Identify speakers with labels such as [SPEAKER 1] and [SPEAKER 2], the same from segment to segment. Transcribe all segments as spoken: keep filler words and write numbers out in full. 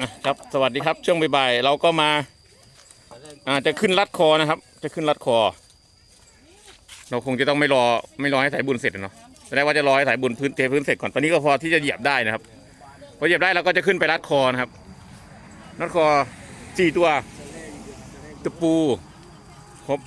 [SPEAKER 1] ครับสวัสดีครับช่วงบ่ายๆเราก็มาอ่าจะขึ้นรัดคอนะครับ จะขึ้นรัดคอ เราคงจะต้องไม่รอไม่รอให้สายบุญเสร็จเนาะแสดงว่าจะรอให้สายบุญพื้นเทพื้นเสร็จก่อนตอนนี้ก็พอที่จะเหยียบได้นะครับพอเหยียบได้เราก็จะขึ้นไปรัดคอนะครับรัดคอสี่ตัวตะปูครบ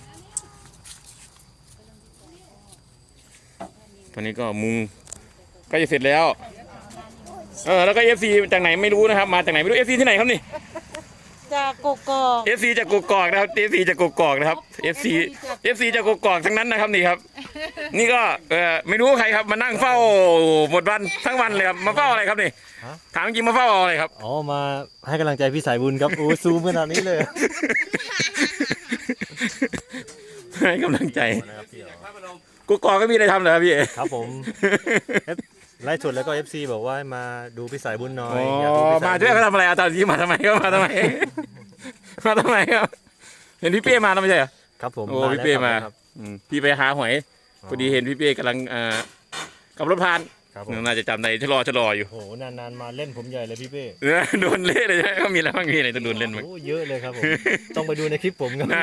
[SPEAKER 1] ตอนนี้ก็มุงก็จะเสร็จแล้วเออแล้วก็เอฟซีจากไหนไม่รู้นะครับมาจากไหนไม่รู้เอฟซีที่ไหนครับนี่
[SPEAKER 2] จากกกอก
[SPEAKER 1] เอฟซีจากกกอกนะครับเอฟซีจากกกอกนะครับเอฟซีเอฟซีจากกกอกทั้งนั้นนะครับนี่ครับนี่ก็เออไม่รู้ใครครับมานั่งเฝ้าหมดวันทั้งวันเลยครับมาเฝ้าอะไรครับนี่ถามจริงมาเฝ้าอะไรครับ
[SPEAKER 3] อ๋อมาให้กำลังใจพี่สายบุญครับโอ้ซูมขนาดนี้เลย
[SPEAKER 1] ให้กำลังใจกกอกก็มีอะไรทำเหรอครับพี่
[SPEAKER 3] ครับผมไลฟ์สดแล้วก็ เอฟ ซี บอกว่าให้มาดูพี่สายบุญหน่อย
[SPEAKER 1] อ๋อ
[SPEAKER 3] อยากดูพี่ส
[SPEAKER 1] มา
[SPEAKER 3] บุญ
[SPEAKER 1] ช่วยเขาทำอะไรอาจารย์ที่มาทำไมก็มาทำไม มาทำไมครับเห็นพี่เป้มาแล้วไม่ใช่เหรอ
[SPEAKER 3] ครับผม
[SPEAKER 1] โอ้
[SPEAKER 3] แล้ว
[SPEAKER 1] พี่เป้มา
[SPEAKER 3] ครับ
[SPEAKER 1] อืมพี่ไปหาหอยพอดีเห็นพี่เป้กำลังอ่าขับรถผ่าน
[SPEAKER 3] ครับผม
[SPEAKER 1] น่าจะจำได้ชะลอชะลออยู่
[SPEAKER 3] โอ้โหนานๆมาเล่นผมใหญ่เลยพี่เป้
[SPEAKER 1] เออโดนเละเลยใช่ไหมเขามีอะไรบ้างมีอะไรจะโดนเล่นมั้ง
[SPEAKER 3] โอ้เยอะเลยครับผมต้องไปดูในคลิปผมครับ
[SPEAKER 1] น่า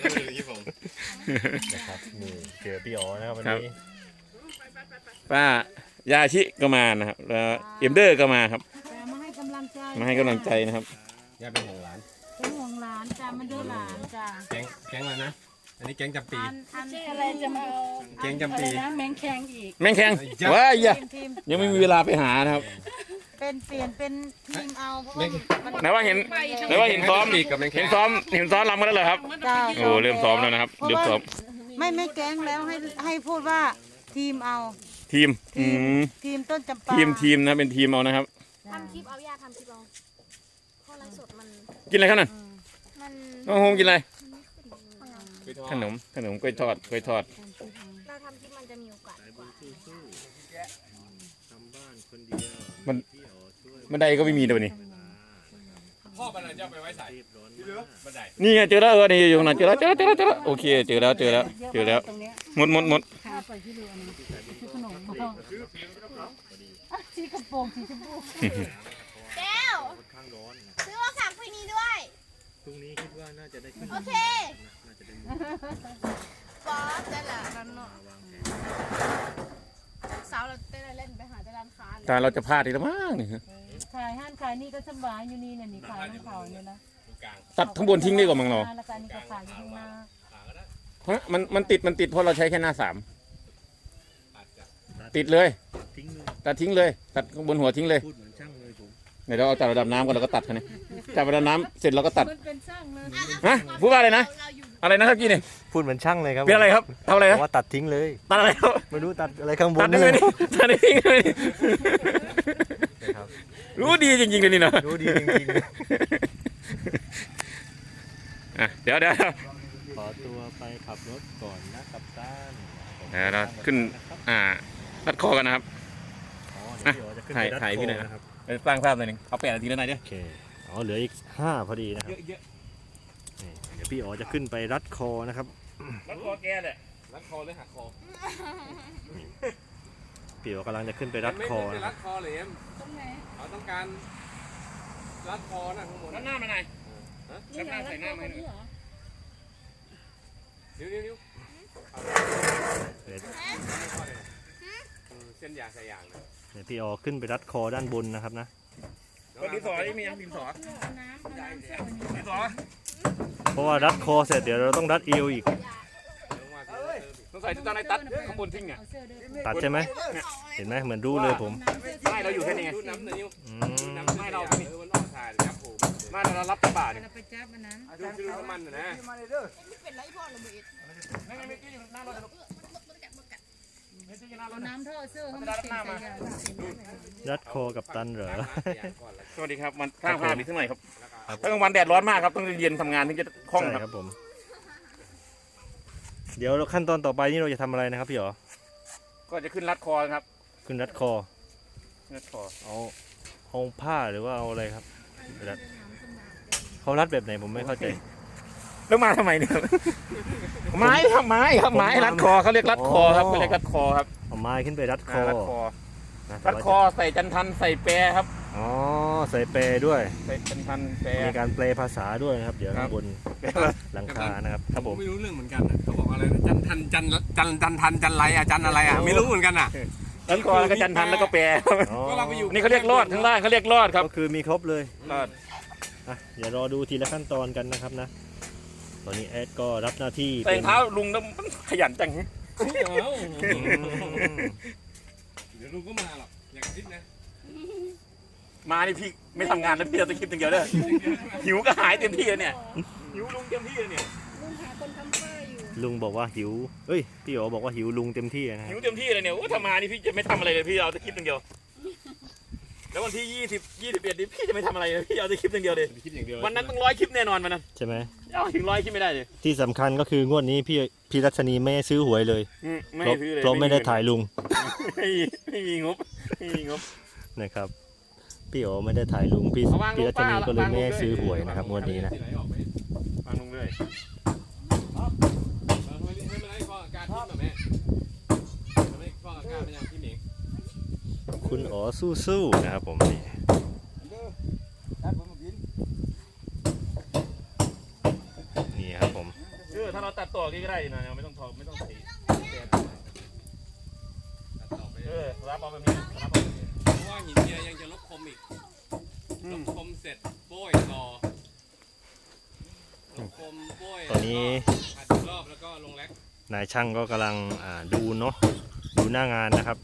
[SPEAKER 3] นะครับนี่เจอพี่อ๋อนะครับวัน
[SPEAKER 1] ครับ
[SPEAKER 3] นี้
[SPEAKER 1] ป้ายาชิก็มานะครับแล้วเอ็มเดอร์ก็มาครับ
[SPEAKER 2] จะมาให้กำลังใจ
[SPEAKER 1] มาให้กำลังใจนะครับ
[SPEAKER 4] ย่าเป็นของหลาน
[SPEAKER 2] เป็นห่วงหลานจ้ามันเดือหลานจ้า
[SPEAKER 4] แก๊งแก๊งอะไรนะ อันนี้แก๊งจำปี
[SPEAKER 2] อันอันอะไรจะมาเอา
[SPEAKER 4] แก๊งจำปี
[SPEAKER 2] อะไรนะแมงแคงอีก
[SPEAKER 1] แม่งแข็งว้ายอย่า
[SPEAKER 2] ทีมทีม
[SPEAKER 1] ยังไม่มีเวลาไปหานะครับ
[SPEAKER 2] เป็นเปลี่ยนเป็นทีมเอาเพราะว่ามัน
[SPEAKER 1] ไหนว่าเห็นไหนว่าเห็นซ้อม
[SPEAKER 4] ปีกับแมงแค
[SPEAKER 1] เห็
[SPEAKER 4] ง
[SPEAKER 1] นซ้อมเห็นซ้อมรำกันแล้วเหรอครับ
[SPEAKER 2] จ้า
[SPEAKER 1] โอ้เริ่มซ้อมแล้วนะครับเริ่มซ้อม
[SPEAKER 2] ไม่ไม่แก๊งแล้วให้ให้พูดว่าทีมเอา
[SPEAKER 1] ทีมอืม
[SPEAKER 2] ทีมต้นจำปา
[SPEAKER 1] ทีมทีมนะเป็นทีมเอานะครับ
[SPEAKER 5] ทำคลิปเอาย่าทำคลิปเอาเพราะไลฟ์สดมัน
[SPEAKER 1] กินอะไรครับนั่น
[SPEAKER 5] มัน
[SPEAKER 1] น้องโฮมกินอะไร
[SPEAKER 5] มันไม่ขึ้น
[SPEAKER 1] ขนมขนมกล้วยทอดกล้วยทอด
[SPEAKER 5] เราทำคลิปมันจะมีโอกาสกว่า
[SPEAKER 1] มันมันไดก็ไม่มีเดี๋ยวนี้
[SPEAKER 4] พ่อบันไดจะไปไว้ใส่บันได
[SPEAKER 1] นี่ไงเจอแล้วเออนี่อยู่ข้างหน้าเจอแล้วเจอแล้วเจอแล้วเจอแล้วโอเคเจอแล้วเจอแล้วเจอแล้ว
[SPEAKER 2] ตรงเนี้ย
[SPEAKER 1] หมดหมดหมด
[SPEAKER 2] ข้าไปที่เรือนะซื้อขนมมาอ่ะสีกระโปรงสีชมพู
[SPEAKER 5] แก้วซื้อมาฝากพี่นี้ด้วย
[SPEAKER 3] พรุ่งนี้คิดว่าน่าจะได้ขึ้น
[SPEAKER 5] โอเคบอสได้ละนั่นเนาะสาวเราเต้นเล่นไปหาแต่ร้านค้าเลย
[SPEAKER 1] แต่เราจะพลาดอีกแล้วมั้งนี่
[SPEAKER 2] ขายห้านขายนี่ก็สบายอยู่นี่เนี่ยนี่ขายน้ำเขาเนี่ยนะ
[SPEAKER 1] ตัดข้างบนทิ้งได้กว่ามั้งเรา
[SPEAKER 2] แล้วก็อันนี้ก็ขายอยู่ข้างหน้า
[SPEAKER 1] ฮะมันมันติดมันติดเพราะเราใช้แค่หน้าสามติดเลย
[SPEAKER 3] ทิ้งเลย
[SPEAKER 1] ตัดทิ้งเลย ตัดข้างบนหัวทิ้งเลย
[SPEAKER 3] พูดเหมือนช่างเลยผม
[SPEAKER 1] เดี๋ยวเราเอาจับระดับน้ำก่อนเราก็ตัดคันนี้จับระดับน้ำเสร็จเราก็ตัด
[SPEAKER 2] มันเป็นช่างเลย
[SPEAKER 1] ฮะพูดว่าอะไรนะ
[SPEAKER 5] เราอยู่
[SPEAKER 1] อะไรนะครับพี่เนี่ย
[SPEAKER 3] พูดเหมือนช่างเลยครับ
[SPEAKER 1] เป็นอะไรครับทำอะไร
[SPEAKER 3] บ
[SPEAKER 1] นะ
[SPEAKER 3] อกว่าตัดทิ้งเลย
[SPEAKER 1] ตัดอะไรครับ
[SPEAKER 3] ไม่รู้ตัดอะไรข้างบ
[SPEAKER 1] ตั
[SPEAKER 3] น
[SPEAKER 1] ดได้ไหม
[SPEAKER 3] เลย
[SPEAKER 1] นี่ตัดได้ทิ้งเลยนี่
[SPEAKER 3] นะครับ
[SPEAKER 1] รู้ดีจริงๆเลยนี่เนาะ
[SPEAKER 3] รู้ดีจริง
[SPEAKER 1] อ่ะเดี๋ยวเดี๋ยว
[SPEAKER 3] ๆขอตัวไปขับรถก่อนนะกับต้าน
[SPEAKER 1] เดี๋ยวเราขึ้นอ่ารัดคอกันนะครับ
[SPEAKER 3] อ๋อเดี๋ยวพี่อ๋อจะขึ้นไป
[SPEAKER 1] ถ่าย
[SPEAKER 3] รัด
[SPEAKER 1] ถ่าย
[SPEAKER 3] ค
[SPEAKER 1] พี่
[SPEAKER 3] อ
[SPEAKER 1] หน่อยนะ
[SPEAKER 3] นะครับ
[SPEAKER 1] ไปสร้างภาพหน่อยหนึงเอาแปดนาทีแล้วนายเด้อ
[SPEAKER 3] โอเคอ๋อเหลืออีกห้าพอดีนะครับ
[SPEAKER 1] เยอะ
[SPEAKER 3] นี่เดี๋ยวพี่อ๋อจะขึ้นไปรัดคอนะครับ
[SPEAKER 1] ๆรัดคอแกแหละ
[SPEAKER 4] รัดคอหรือหักคอ
[SPEAKER 3] พี่อ๋อกำลังจะขึ้นไปรัดคอ
[SPEAKER 4] ไม่
[SPEAKER 3] นะค
[SPEAKER 4] รั
[SPEAKER 3] รับ
[SPEAKER 4] ดคอเลยเอ็ม
[SPEAKER 2] ตรงไหน
[SPEAKER 4] เราต้องการรัดคอนะข้างบน
[SPEAKER 1] รัดหน้ามาหน่อย
[SPEAKER 2] นี่เหรอแล้วก็คนนี้เหรอ
[SPEAKER 4] นิ้วนิ้วนิ้ว
[SPEAKER 3] เดี๋ยว
[SPEAKER 4] เส้นยางใส่ยางนะ
[SPEAKER 3] เดี๋ยวพี่อ๋อขึ้นไปรัดคอด้านบนนะครับนะ
[SPEAKER 1] ก็ดินสอนี่มียังดินสอ
[SPEAKER 2] เอาน้ำเอาน้ำเสื้อวันนี้
[SPEAKER 1] ดินสอ
[SPEAKER 3] เพราะว่ารัดคอเสร็จเดี๋ยวเราต้องรัดเอวอีก
[SPEAKER 4] ลงมาเออ
[SPEAKER 1] ต้องใส่ตอนไหนตัดข้างบนทิ้งอ่ะ
[SPEAKER 2] เอาเสื้อด้วย
[SPEAKER 3] ตัดใช่ไหมเห็นไหมเหมือนรู้เลยผม
[SPEAKER 1] ไม่เราอยู่แค่นี้ไง
[SPEAKER 4] ดูน้ำนิ้ว
[SPEAKER 3] อื
[SPEAKER 4] ดู
[SPEAKER 3] ม
[SPEAKER 4] น้ำไม่เราเออมันออกถ่ายครับผม
[SPEAKER 1] ไม่เรารับกระบะเนี่ย
[SPEAKER 2] เราไปจับอันนั้น
[SPEAKER 4] ดูดูน้ำมันนะ
[SPEAKER 5] เป็นไรพ่อเราเบ็ด
[SPEAKER 1] ไม่ไม่ไม่อยู่หน้ารถเลยลูก
[SPEAKER 5] มันกัดมันกัด
[SPEAKER 1] ไม่ใช่หน้าร
[SPEAKER 2] เอา
[SPEAKER 1] ถนะ
[SPEAKER 2] น้ำท่อเสื้อเขามาเต็มใส่ยาง
[SPEAKER 3] รัดคอกับตันเหรอ
[SPEAKER 1] สวัสดีครับมันข้างภาพอีกเท่าไหร่ครับถ้ากลางวันแดดร้อนมากครับต้องเย็นทำงานถึงจะคล่อง
[SPEAKER 3] ใช่
[SPEAKER 1] ครับ
[SPEAKER 3] ครับผม เดี๋ยวขั้นตอนต่อไปนี่เราจะทำอะไรนะครับพี่อ๋อ
[SPEAKER 1] ก็จะขึ้นรัดคอครับ
[SPEAKER 3] ขึ้นรัดคอ
[SPEAKER 1] รัดคอ
[SPEAKER 3] เอาเอาผ้าหรือว่าเอาอะไรครับรัดเขารัดแบบไหนผมไม่เข้าใจ
[SPEAKER 1] แล้วมาทำไมเนี่ยไม้ครับไม้ครับไม้รัดคอเขาเรียกรัดคอครับเขาเรียกรัดคอครับ
[SPEAKER 3] เอาไม้ขึ้นไปรัดคอ
[SPEAKER 1] รัดคอ
[SPEAKER 3] นะ
[SPEAKER 1] รัดคอใส่จันทันใส่แปรครับ
[SPEAKER 3] อ๋อใส่แปรด้วย
[SPEAKER 1] ใส่เป็นพันแปร
[SPEAKER 3] มีการแปลภาษาด้วยนะครับ เดี๋ยว
[SPEAKER 1] ครั
[SPEAKER 3] ข้า
[SPEAKER 1] บ
[SPEAKER 3] งบนหลังคานะครับครับผม
[SPEAKER 4] ไม่รู้เรื่องเหมือนกันอะเขาบอกอะไรนะจันทันจันจันจันทันจันไรอะจันอะไรอะไม่รู้เหมือนกันอะ
[SPEAKER 1] รัดคอแล้วก็จันทันแล้วก็แปร
[SPEAKER 3] อ๋อ
[SPEAKER 4] ก็เราไปอยู่
[SPEAKER 1] นี่เขาเรียกรอดข้างล่างเขาเรียกรอดครับ
[SPEAKER 3] ก็คือมีครบเลย
[SPEAKER 1] รอด
[SPEAKER 3] อ่ะเดี๋ยวรอดูทีละขั้นตอนกันนะครับนะตอนนี้แอดก็รับหน้าที่
[SPEAKER 1] แต่
[SPEAKER 3] เป็น
[SPEAKER 1] งเท้าลุงแล้วมันขยันจัง
[SPEAKER 4] เอ้า
[SPEAKER 3] อืม
[SPEAKER 4] เดี๋ยวลุงก็มาหรอกอย่ากระซิบนะ
[SPEAKER 1] มานี่พี่ไม่ทำงานแล้วพี่เราจะคิดอย่างเดียวเด้อหิวก็หายเต็มที่เลยเนี่ยหิวลุงเต็มที่เลยเนี่ย
[SPEAKER 2] ลุงหาคนทำเฟอร์อยู่
[SPEAKER 3] ลุงบอกว่าหิวเอ้ยพี่โอบอกว่าหิวลุงเต็มที่นะค
[SPEAKER 1] หิ
[SPEAKER 3] รั
[SPEAKER 1] ว
[SPEAKER 3] บ
[SPEAKER 1] เต็มที่เลยเนี่ยโอ้ถ้ามานี่พี่จะไม่ทำอะไรเลยพี่เอาแต่คลิปอย่างเดียวแล้ววันที่ยี่สิบยี่สิบเอ็ดนี่พี่จะไม่ทำอะไรเลยพี่เอาแต่คลิปอย่างเดียวเลย
[SPEAKER 4] คิดอย่างเดียว
[SPEAKER 1] วันนั้นต้องร้อยคลิปแน่นอนวันนั้น
[SPEAKER 3] ใช่ไหม
[SPEAKER 1] เอาถึงร้อยคลิปไม่ได้เลย
[SPEAKER 3] ที่สำคัญก็คืองวดนี้พี่พี่รัชนีไม่ให้ซื้อหวยเลย
[SPEAKER 1] อืมไม่
[SPEAKER 3] เพราะ
[SPEAKER 1] ซื้อเลย
[SPEAKER 3] เพราะไม่ได้ถ่ายลุง
[SPEAKER 1] ไม่มีไม่มีงบไม่มีงบ
[SPEAKER 3] นะครับพี่โอไม่ได้ถ่ายลุงพี่
[SPEAKER 1] เอาวางลง
[SPEAKER 3] พี่รัชนีก็เลย
[SPEAKER 1] ป้า
[SPEAKER 3] ไม่ให้
[SPEAKER 1] วางลง
[SPEAKER 3] ซื้อ
[SPEAKER 1] เลย
[SPEAKER 3] หวยนะครับงวดนี้นะ
[SPEAKER 1] ฟังลุงเลย
[SPEAKER 4] ไม่เป็นไรฟองอากาศทิ้งแบบแม่ไม่ฟองอากาศเป็นอย่างที่หมิง
[SPEAKER 3] คุณอ๋อสู้ๆนะครับผมนี่นี่ครับผม
[SPEAKER 1] เออถ้าเราตัดต่อก็ได้นะไม่ต้องทอไม่ต้องสี
[SPEAKER 4] ตัดต่อไป
[SPEAKER 1] เออรับเอาแบบนี้รับเอาแบบนี้
[SPEAKER 4] เพราะว่าหินเจียยังจะลบคมอีกลบคมเสร็จโป้ยต่อลบคมโป้ย
[SPEAKER 3] ตอนนี้
[SPEAKER 4] อัดอีกรอบแล้วก็ลงแร็ก
[SPEAKER 3] นายช่างก็กำลังอ่าดูเนาะดูหน้างานนะครับ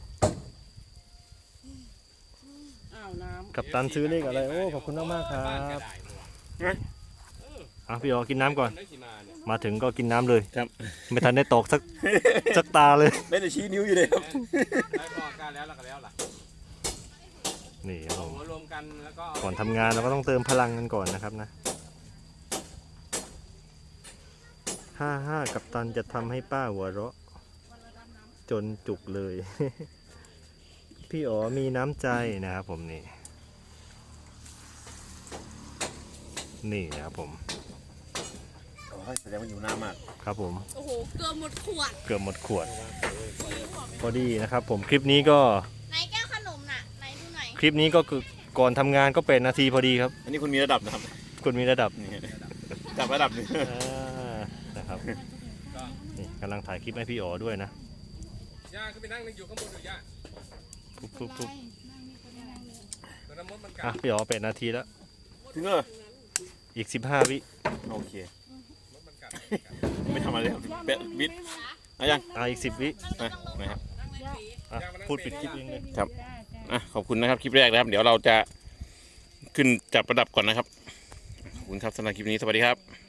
[SPEAKER 2] อ้าวน้ำ
[SPEAKER 3] กับตันซื้อเลขอะไรโอ้ขอบคุณมากๆครับ
[SPEAKER 4] านกระดาษเนอะ
[SPEAKER 3] อ่ะพี่อ๋อกินน้ำก่อน
[SPEAKER 4] ได้สิมาเนี่ย
[SPEAKER 3] มาถึงก็กินน้ำเลย
[SPEAKER 1] ครับ
[SPEAKER 3] ไม่ทันได้ตอกสัก สักตาเลย
[SPEAKER 1] ได้แต่ชี้นิ้วอยู่เลยครับ
[SPEAKER 4] ได้ฟองอากาศแล้วแล้วก็แล้วล่ะ
[SPEAKER 3] นี่ครับผ
[SPEAKER 4] เอา
[SPEAKER 3] ม
[SPEAKER 4] หัวรวมกันแล้วก็
[SPEAKER 3] ก่อนทำงานเราก็ต้องเติมพลังกันก่อนนะครับนะห้าห้ากับตันจะทำให้ป้าหัวเราะ จนจุกเลย พี่อ๋อมีน้ำใจนะครับผมนี่ นี่นะครับผม
[SPEAKER 1] แสดงว่าอยู่หน้ามาก
[SPEAKER 3] ครับผม
[SPEAKER 5] โอ้โห เกือบหมดขวด
[SPEAKER 3] เกือบหมดขวด พอดีนะครับผมคลิปนี้ก็
[SPEAKER 5] ไหนแก้วขนมน่ะ ไหนดูหน่อย
[SPEAKER 3] คลิปนี้ก็คือก่อนทำงานก็เป็นนาทีพอดีครับ
[SPEAKER 1] อันนี้คุณมีระดับนะครับ
[SPEAKER 3] คุณมีระดับ
[SPEAKER 1] นี่จับระดับหนึง
[SPEAKER 3] อ่านะครับนี่กำลังถ่ายคลิปให้พี่อ๋อด้วยนะ
[SPEAKER 4] ย่าขึ้นไปนั่งอยู่ข้างบนอยู่ย่า
[SPEAKER 3] ปุ๊บปุ๊บปุ๊บ
[SPEAKER 4] แต่น้ำมดมันกั
[SPEAKER 3] อ่ะ
[SPEAKER 4] ด
[SPEAKER 3] พี่อ๋อเป็นนาทีแล้ว
[SPEAKER 1] ถึงเออ
[SPEAKER 3] อีกสิบห้าวิ
[SPEAKER 1] โอเค
[SPEAKER 4] มดมันกัด
[SPEAKER 1] ไม่ทำอะไรครับเป๊ะบิดเอายัง
[SPEAKER 3] อ่ะอีกสิบวิ
[SPEAKER 1] อ่ะนะครับ
[SPEAKER 3] อ่ะพูดปิดคลิปเองเลย
[SPEAKER 1] ครับอ่ะขอบคุณนะครับคลิปแรกนะครับ เดี๋ยวเราจะขึ้นจับระดับก่อนนะครับขอบคุณครับสำหรับคลิปนี้สวัสดีครับ